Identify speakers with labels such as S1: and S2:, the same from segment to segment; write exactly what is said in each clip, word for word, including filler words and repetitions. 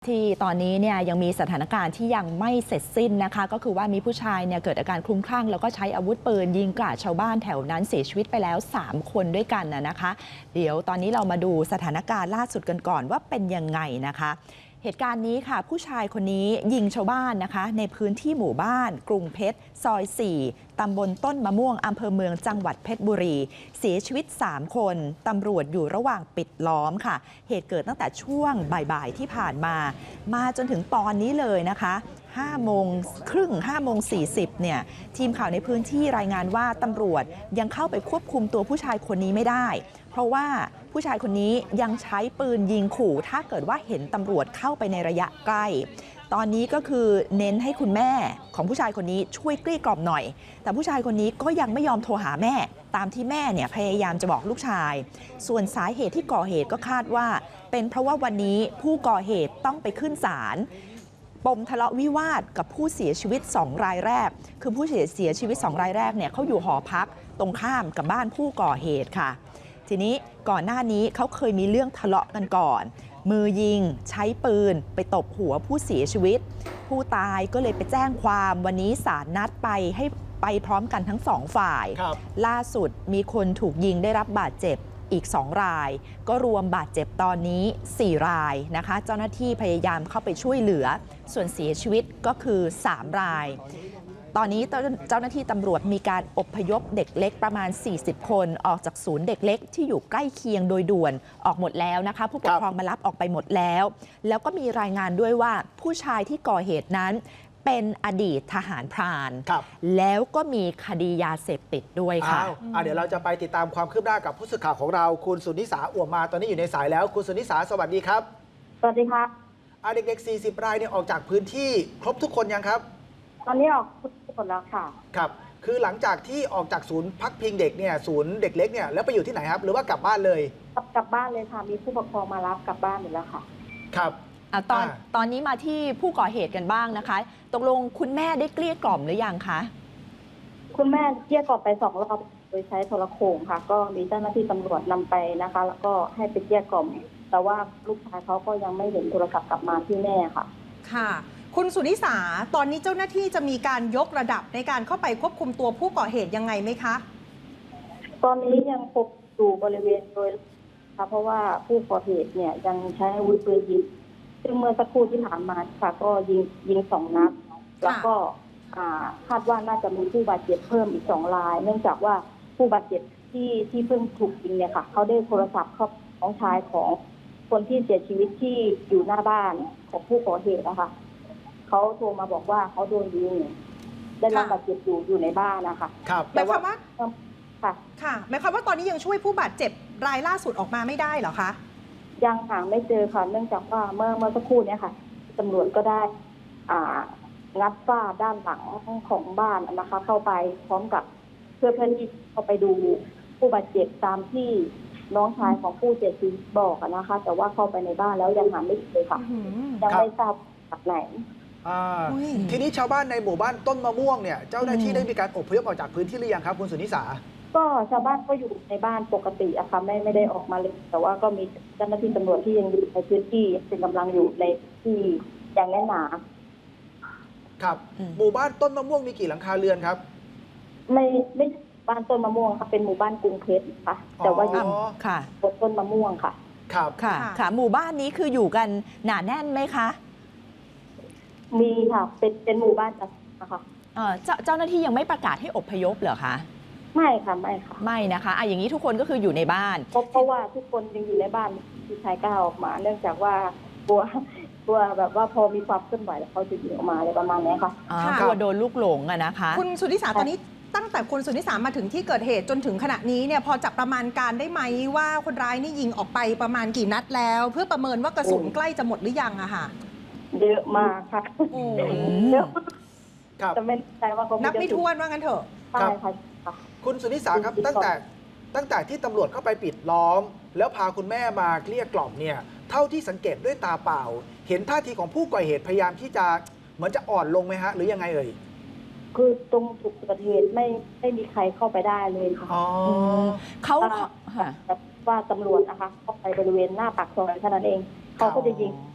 S1: ที่ตอนนี้เนี่ยยังมีสถานการณ์ที่ยังไม่เสร็จสิ้นนะคะก็คือว่ามีผู้ชายเนี่ยเกิดอาการคลุ้มคลั่งแล้วก็ใช้อาวุธปืนยิงกราดชาวบ้านแถวนั้นเสียชีวิตไปแล้วสามคนด้วยกันนะคะ เดี๋ยวตอนนี้เรามาดูสถานการณ์ล่าสุดกันก่อนว่าเป็นยังไงนะคะเหตุการณ์นี้ค่ะผู้ชายคนนี้ยิงชาวบ้านนะคะในพื้นที่หมู่บ้านกรุงเพชรซอยสี่ตำบลต้นมะม่วงอำเภอเมืองจังหวัดเพชรบุรีเสียชีวิตสามคนตำรวจอยู่ระหว่างปิดล้อมค่ะเหตุเกิดตั้งแต่ช่วงบ่ายๆที่ผ่านมามาจนถึงตอนนี้เลยนะคะห้าโมงครึ่งห้าโมงสี่สิบเนี่ยทีมข่าวในพื้นที่รายงานว่าตำรวจยังเข้าไปควบคุมตัวผู้ชายคนนี้ไม่ได้เพราะว่าผู้ชายคนนี้ยังใช้ปืนยิงขู่ถ้าเกิดว่าเห็นตำรวจเข้าไปในระยะใกล้ตอนนี้ก็คือเน้นให้คุณแม่ของผู้ชายคนนี้ช่วยเกลี้ยกล่อมหน่อยแต่ผู้ชายคนนี้ก็ยังไม่ยอมโทรหาแม่ตามที่แม่เนี่ยพยายามจะบอกลูกชายส่วนสาเหตุที่ก่อเหตุก็คาดว่าเป็นเพราะว่าวันนี้ผู้ก่อเหตุต้องไปขึ้นศาลปมทะเลาะวิวาทกับผู้เสียชีวิตสองรายแรกคือผู้เสียชีวิตสองรายแรกเนี่ยเขาอยู่หอพักตรงข้ามกับบ้านผู้ก่อเหตุค่ะทีนี้ก่อนหน้านี้เขาเคยมีเรื่องทะเลาะกันก่อนมือยิงใช้ปืนไปตบหัวผู้เสียชีวิตผู้ตายก็เลยไปแจ้งความวันนี้ศาลนัดไปให้ไปพร้อมกันทั้งสองฝ่ายล่าสุดมีคนถูกยิงได้รับบาดเจ็บอีกสองรายก็รวมบาดเจ็บตอนนี้สี่รายนะคะเจ้าหน้าที่พยายามเข้าไปช่วยเหลือส่วนเสียชีวิตก็คือสามรายตอนนี้เจ้าหน้าที่ตำรวจมีการอพยพเด็กเล็กประมาณสี่สิบคนออกจากศูนย์เด็กเล็กที่อยู่ใกล้เคียงโดยด่วนออกหมดแล้วนะคะผู้ปกครองมารับออกไปหมดแล้วแล้วก็มีรายงานด้วยว่าผู้ชายที่ก่อเหตุนั้นเป็นอดีตทหารพรานแล้วก็มีคดียาเสพติดด้วยค่ะ
S2: เดี๋ยวเราจะไปติดตามความคืบหน้ากับผู้สื่อข่าวของเราคุณสุนิสาอ่วมมาตอนนี้อยู่ในสายแล้วคุณสุนิสาสวัสดีครับ
S3: สวัสดีค่ะ
S2: เด็กๆสี่สิบรายเนี่ยออกจากพื้นที่ครบทุกคนยังครับ
S3: ตอนนี้ออกทุกคนแล้วค่ะ
S2: ครับคือหลังจากที่ออกจากศูนย์พักพิงเด็กเนี่ยศูนย์เด็กเล็กเนี่ยแล้วไปอยู่ที่ไหนครับหรือว่ากลับบ้านเลย
S3: กลับบ้านเลยค่ะมีผู้ปกครองมารับกลับบ้านหมดแล้วค่ะ
S2: ครับ
S1: ตอนตอนนี้มาที่ผู้ก่อเหตุกันบ้างนะคะตกลงคุณแม่ได้เกลี้ยกล่อมหรือยังคะ
S3: คุณแม่เกลี้ยกล่อมไปสองรอบโดยใช้โทรโข่งค่ะก็มีเจ้าหน้าที่ตำรวจนำไปนะคะแล้วก็ให้ไปเกลี้ยกล่อมแต่ว่าลูกชายเขาก็ยังไม่เห็นโทรศัพท์กลับมาที่แม่ค่ะ
S4: ค่ะคุณสุนิสาตอนนี้เจ้าหน้าที่จะมีการยกระดับในการเข้าไปควบคุมตัวผู้ก่อเหตุยังไงไหมคะ
S3: ตอนนี้ยังพบอยู่บริเวณโดยค่ะเพราะว่าผู้ก่อเหตุเนี่ยยังใช้อาวุธปืนยิงซึ่งเมื่อสักครู่ที่ผ่านมาค่ะก็ยิงยิงสองนัดแล้วก็คาดว่าน่าจะมีผู้บาดเจ็บเพิ่มอีกสองรายเนื่องจากว่าผู้บาดเจ็บที่ที่เพิ่งถูกยิงเนี่ยค่ะเขาได้โทรศัพท์เข้าของชายของคนที่เสียชีวิตที่อยู่หน้าบ้านของผู้ก่อเหตุนะคะเขาโทรมาบอกว่าเขาโดนยิงได้รับบาดเจ็บอยู่อยู่ในบ้านนะคะ
S2: ครับ
S4: หมายความว่า
S3: ค่ะ
S4: ค่ะหมายความว่าตอนนี้ยังช่วยผู้บาดเจ็บรายล่าสุดออกมาไม่ได้เหรอคะ
S3: ยังหาไม่เจอค่ะเนื่องจากว่าเมื่อเมื่อสักครู่นี้ค่ะตำรวจก็ได้อ่างัดฝ้าด้านหลังของบ้านนะคะเข้าไปพร้อมกับเพื่อเพื่อที่เข้าไปดูผู้บาดเจ็บตามที่น้องชายของผู้เสียชีวิตบอกนะคะแต่ว่าเข้าไปในบ้านแล้วยังหาไม่เจอค่ะยังไม่ทราบจากไหน
S2: ทีนี้ชาวบ้านในหมู่บ้านต้นมะม่วงเนี่ยเจ้าหน้าที่ได้มีการอพยพออกจากพื้นที่หรือยังครับคุณสุนิสา
S3: ก็ชาวบ้านก็อยู่ในบ้านปกติอะค่ะไม่ไม่ได้ออกมาเลยแต่ว่าก็มีเจ้าหน้าที่ตำรวจที่ยังอยู่ในพื้นที่เป็นกำลังอยู่ในที่อย่างแน่นหนา
S2: ครับหมู่บ้านต้นมะม่วงมีกี่หลังคาเรือนครับ
S3: ไม่ไม่บ้านต้นมะม่วงค่ะเป็นหมู่บ้านกรุงเพชรค่ะแต่ว่าอยู่
S1: ค่ะ
S3: บนต้นมะม่วงค่ะ
S2: ครับ
S1: ค่ะค่ะหมู่บ้านนี้คืออยู่กันหนาแน่นไหมคะ
S3: มีค่ะเป็นเป็นหมู่บ้านนะคะ
S1: เอ่อเจ้าเจ้าหน้าที่ยังไม่ประกาศให้อพยพเหรอคะ
S3: ไม่ค่ะไม่ค่ะ
S1: ไม่นะคะอ่ะอย่างนี้ทุกคนก็คืออยู่ในบ้าน
S3: เพราะว่าทุกคนยังอยู่ในบ้านที่ชายกล้าออกมาเนื่องจากว่ากลัวกลัวแบบว่าพอมีความเคลื่อนไหวแล้วเขาจะยิงออกมาอะไรประมาณนี้ค่ะ
S1: กลัวโดนลูกหลงอะนะคะ
S4: คุณสุนิสาตอนนี้ตั้งแต่คุณสุนิสามาถึงที่เกิดเหตุจนถึงขณะนี้เนี่ยพอจะประมาณการได้ไหมว่าคนร้ายนี่ยิงออกไปประมาณกี่นัดแล้วเพื่อประเมินว่ากระสุนใกล้จะหมดหรือยังอะค่ะ
S3: เยอะมากค่ะเยอะจะไม่ใจว่าเขา
S4: นับไม่ถ้วนว่างั้นเถอะ
S3: ใช่ค่ะ
S2: คุณสุนิสาครับตั้งแต่ตั้งแต่ที่ตำรวจเข้าไปปิดล้อมแล้วพาคุณแม่มาเกลี้ยกล่อมเนี่ยเท่าที่สังเกตด้วยตาเปล่าเห็นท่าทีของผู้ก่อเหตุพยายามที่จะเหมือนจะอ่อนลงไหมฮะหรือยังไงเอ่ย
S3: คือตรงจุดเกิดเหตุไม่ไม่มีใครเข้าไปได้เลยค่ะ
S1: เขา
S3: ว่าตำรวจนะคะเข้าไปบริเวณหน้าปากซอยเท่านั้นเองเขาก็จะยิง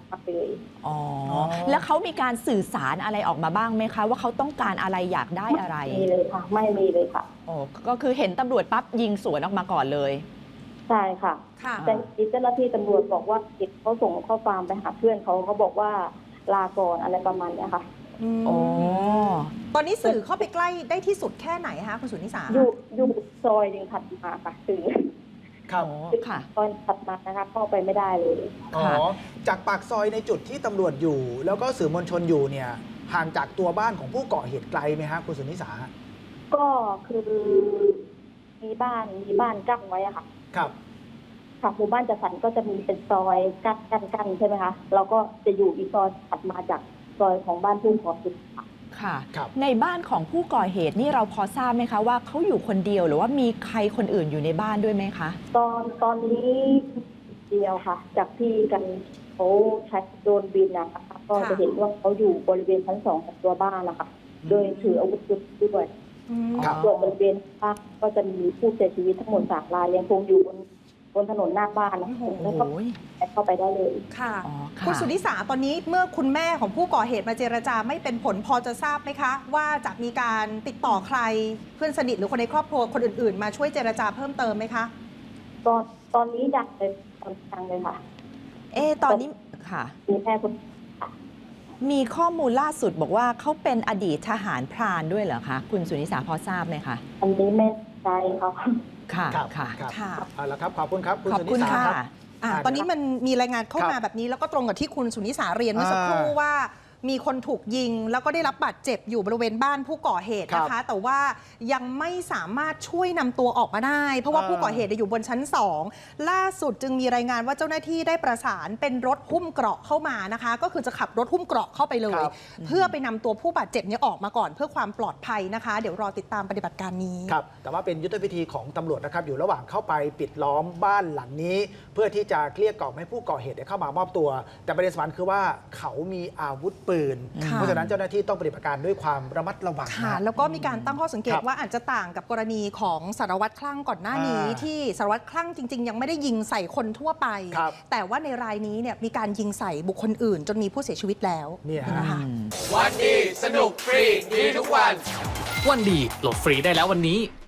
S3: มาเลย
S1: อ๋อ แล้วเขามีการสื่อสารอะไรออกมาบ้างไหมคะ ว่าเขาต้องการอะไรอยากได้อะไร
S3: ไม่มีเลยค่ะ ไม่มีเลยค่ะ
S1: โอ้ก็คือเห็นตำรวจปั๊บยิงสวนออกมาก่อนเลย
S3: ใช่ค่ะ
S4: ค่ะ
S3: แต่มีเจ้าหน้าที่ตำรวจบอกว่าเขาส่งข้อความไปหาเพื่อนเขาเขาบอกว่าลาก่อนอะไรประมาณเนี้ยค่ะ
S4: อืม
S1: โอ้
S4: ตอนนี้สื่อเข้าไปใกล้ได้ที่สุดแค่ไหนคะคุณสุนิสา
S3: อยู่อยู่ซอยหนึ่งถัดมาค่ะถึง
S2: ครับ
S1: โอ้ค่ะ
S3: ซอยถัดมานะคะเข้าไปไม่ได้เลย
S2: อ๋อ
S1: ค่ะ
S2: จากปากซอยในจุดที่ตำรวจอยู่ แล้วก็สื่อมวลชนอยู่เนี่ยห่างจากตัวบ้านของผู้ก่อเหตุไกลไหมฮะคุณสุนิสา
S3: ก็คือมีบ้านมีบ้านกั้นไว้อะค่ะ
S2: ครับ
S3: ค่ะหมู่บ้านจัดสรรก็จะมีเป็นซอยกั้นกั้นกั้นใช่ไหมคะเราก็จะอยู่อีกซอยถัดมาจากซอยของบ้านผู้ก่อเหตุค่ะ
S1: ค่ะ
S2: ครับ
S1: ในบ้านของผู้ก่อเหตุนี่เราพอทราบไหมคะว่าเขาอยู่คนเดียวหรือว่ามีใครคนอื่นอยู่ในบ้านด้วยไหมคะ
S3: ตอนตอนนี้เดียวค่ะ จากที่กันเขาใช้โดรนบินนะคะก็จะเห็นว่าเขาอยู่บริเวณชั้นสองของตัวบ้านนะคะ โดยถืออาวุธด้วย
S4: อืม
S2: ครับ
S3: ส่วนบริเวณบ้านก็จะมีผู้เสียชีวิตทั้งหมดสามรายยังคงอยู่บนบนถนนหน้าบ้านนะคะ
S4: โอ้โห
S3: แล้วก็เข้าไปได้เลย
S4: ค่ะ
S1: อ๋อค่ะ
S4: คุณสุนิสาตอนนี้เมื่อคุณแม่ของผู้ก่อเหตุมาเจรจาไม่เป็นผลพอจะทราบไหมคะ ว่าจะมีการติดต่อใครเพื่อนสนิทหรือคนในครอบครัวคนอื่นๆ มาช่วยเจรจาเพิ่มเติมไหมคะ
S3: ตอนตอนนี้ดังเลยตอนดังเลยค่ะ
S1: เอะตอนนี้ค่ะ
S3: มีแค่คน
S1: มีข้อมูลล่าสุดบอกว่าเขาเป็นอดีตทหารพรานด้วยเหรอคะ คุณสุนิสาพอทราบไหมคะ
S3: อันนี้ไม่ใจเขา
S1: ค่ะ
S2: ครับ
S1: ค่ะ
S2: ครับ
S4: ค่ะ
S2: เอาละครับ ขอบคุณครับ คุณ
S1: ขอบ
S2: สุนิ
S1: คุณ
S2: สา
S1: ค่ะ
S2: ครับ
S4: อ่ะ
S2: อ่า
S4: ตอนนี้มันมีรายงานเข้า
S2: ครับ
S4: มาแบบนี้แล้วก็ตรงกับที่คุณสุนิสาเรียนเมื่อสักครู่
S2: อ่า
S4: ว่ามีคนถูกยิงแล้วก็ได้รับบาดเจ็บอยู่บริเวณบ้านผู้ก่อเหตุนะ
S2: ครั
S4: คะ
S2: บ
S4: แต่ว่ายังไม่สามารถช่วยนำตัวออกมาได้ เพราะว่า
S2: อ่า
S4: ผู้ก่อเหตุอยู่บนชั้นสองล่าสุดจึงมีรายงานว่าเจ้าหน้าที่ได้ประสานเป็นรถหุ้มเกราะเข้ามานะคะ ก็คือจะขับรถหุ้มเกราะเข้าไปเลย
S2: ครับ
S4: เพื่อไปนำตัวผู้บาดเจ็บเนี้ออกมาก่อนเพื่อความปลอดภัยนะคะ เดี๋ยวรอติดตามปฏิบัติการนี้
S2: ครับ แต่ว่าเป็นยุทธวิธีของตำรวจนะครับ อยู่ระหว่างเข้าไปปิดล้อมบ้านหลังนี้ เพื่อที่จะเกลี้ยกล่อมให้ผู้ก่อเหตุเนี่ยเข้ามามอบตัว แต่ประเด็นสำคัญคือว่าเขามีอาวุธปืน
S4: ค่ะ
S2: เพราะฉะนั้นเจ้าหน้าที่ต้องปฏิบัติการด้วยความระมัดระวัง
S4: ค่ะ
S2: นะ
S4: แล้วก็มีการตั้งข้อสังเกต
S2: ครับ
S4: ว่าอาจจะต่างกับกรณีของสารวัตรคลั่งก่อนหน้านี้
S2: อ่า
S4: ที่สารวัตรคลั่งจริง ๆ ยังไม่ได้ยิงใส่คนทั่วไป
S2: ครับ
S4: แต่ว่าในรายนี้เนี่ยมีการยิงใส่บุคคลอื่น จนมีผู้เสียชีวิตแล้ว
S2: เนี่ยฮะ
S4: นะคะ
S5: วันดี สนุกฟรี ดีทุกวัน วันดีโหลดฟรีได้แล้ววันนี้